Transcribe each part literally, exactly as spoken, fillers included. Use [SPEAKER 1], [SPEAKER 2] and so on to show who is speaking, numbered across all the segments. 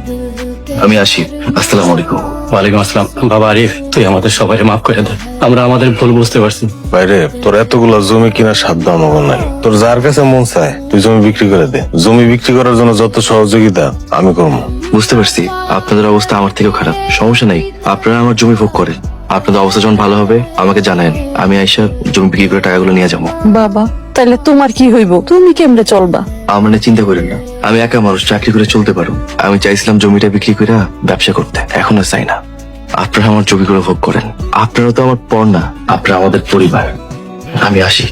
[SPEAKER 1] আমি আসি। আসসালামু আলাইকুম।
[SPEAKER 2] ওয়ালাইকুম আসসালাম। বাবা আরিফ, তুই আমাদের সবাই মাফ করে দে, আমরা আমাদের ভুল বুঝতে পারছি।
[SPEAKER 3] বাইরে তোর এতগুলো জমি কিনা সাধ্য আমাকে নাই। তোর যার কাছে মন চায় তুই জমি বিক্রি করে দে। জমি বিক্রি করার জন্য যত সহযোগিতা আমি করবো।
[SPEAKER 1] বুঝতে পারছি আপনাদের অবস্থা আমার থেকেও খারাপ, সমস্যা নাই, আপনারা আমার জমি ভোগ করেন। আপনাদের অবস্থা যখন ভালো হবে আমাকে জানায়েন, আমি আইসা জমি বিক্রি করে টাকাগুলো নিয়ে যাবো।
[SPEAKER 4] বাবা তাহলে তোমার কি হইব? তুমি কেমনে চলবা?
[SPEAKER 1] আমার নিয়ে চিন্তা করেন না, আমি একা মানুষ, চাকরি করে চলতে পারো। আমি চাইছিলাম জমিটা বিক্রি করে ব্যবসা করতে, এখন আর চাই না। আপনারা আমার জমিগুলো ভোগ করেন, আপনারা তো আমার পর না, আপনারা আমাদের পরিবার। আমি আসি।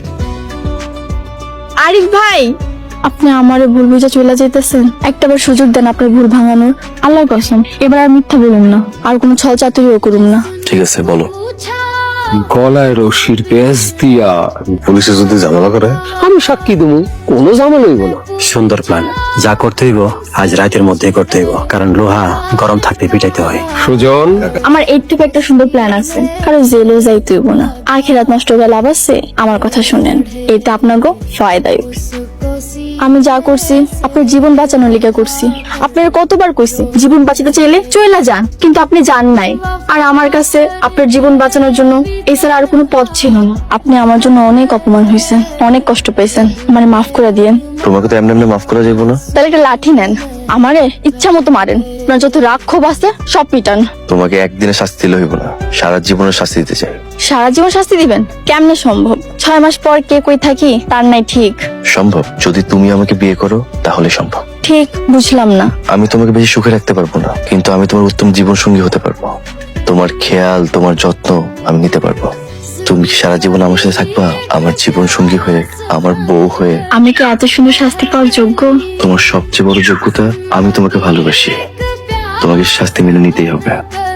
[SPEAKER 5] আরিফ ভাই, আপনি আমারে ভুল বুঝে চলে যেতেছেন, একটাবার সুযোগ দেন আপনার ভুল ভাঙানোর। আল্লাহর কসম এবার আর মিথ্যা বলুন না, আর কোনো ছল চাতুরিও করুন না।
[SPEAKER 1] ঠিক আছে, বলো।
[SPEAKER 6] গলায় রশির পেঁচ দিয়া
[SPEAKER 3] পুলিশে যদি ঝামেলা করে
[SPEAKER 6] আমি সাক্ষী দেবো, কোনো ঝামেলা হইব না।
[SPEAKER 2] সুন্দর প্ল্যান, যা করতে হইব আজ রাতের মধ্যেই করতে হইব, কারণ লোহা গরম থাকতে পিটাইতে হয়।
[SPEAKER 6] সুজন,
[SPEAKER 5] আমার এর থেকে একটা সুন্দর প্ল্যান আছে, কারো জেলেও যাইতে হইব না, আখেরাত নষ্ট হয়ে লাভ আছে। আমার কথা শুনেন, এটা আপনাকে ফায়দায়। আমি যা করছি আপনার জীবন বাঁচানোর লিগে করছি। আপনার কতবার কইছি জীবন বাঁচাতে চাইলে চইলা যান, কিন্তু আপনি যান নাই। আর আমার কাছে আপনার জীবন বাঁচানোর জন্য এছাড়া আর কোনো পথ ছিল না। আপনি আমার জন্য অনেক অপমান হয়েছেন, অনেক কষ্ট পেয়েছেন, মানে মাফ করে দিয়েন।
[SPEAKER 1] তোমাকে তো এমনি এমনি মাফ করা যাইব না।
[SPEAKER 5] তাহলে একটা লাঠি নেন, আমারে ইচ্ছা মতো মারেন, আপনার যত রাগ ক্ষোভ আছে সব পিটান।
[SPEAKER 1] তোমাকে একদিনে শাস্তি দিলে হইব না, সারা জীবনের শাস্তি দিতে চাই।
[SPEAKER 5] সারা জীবন শাস্তি দিবেন? কেমনে সম্ভব? ছয় মাস পর কে কই থাকি তার নাই ঠিক।
[SPEAKER 1] সম্ভব, যদি তুমি আমাকে বিয়ে করো তাহলে সম্ভব।
[SPEAKER 5] ঠিক বুঝলাম না।
[SPEAKER 1] আমি তোমাকে বেশি সুখে রাখতে পারবো না, কিন্তু আমি তোমার উত্তম জীবন সঙ্গী হতে পারবো। তোমার খেয়াল, তোমার যত্ন আমি নিতে পারবো। তুমি কি সারা জীবন আমার সাথে থাকবা, আমার জীবন সঙ্গী হয়ে, আমার বউ হয়ে?
[SPEAKER 5] আমি কি এত সুন্দর শাস্তি পাওয়ার যোগ্য?
[SPEAKER 1] তোমার সবচেয়ে বড় যোগ্যতা আমি তোমাকে ভালোবাসি, তোমাকে শাস্তি মেনে নিতেই হবে।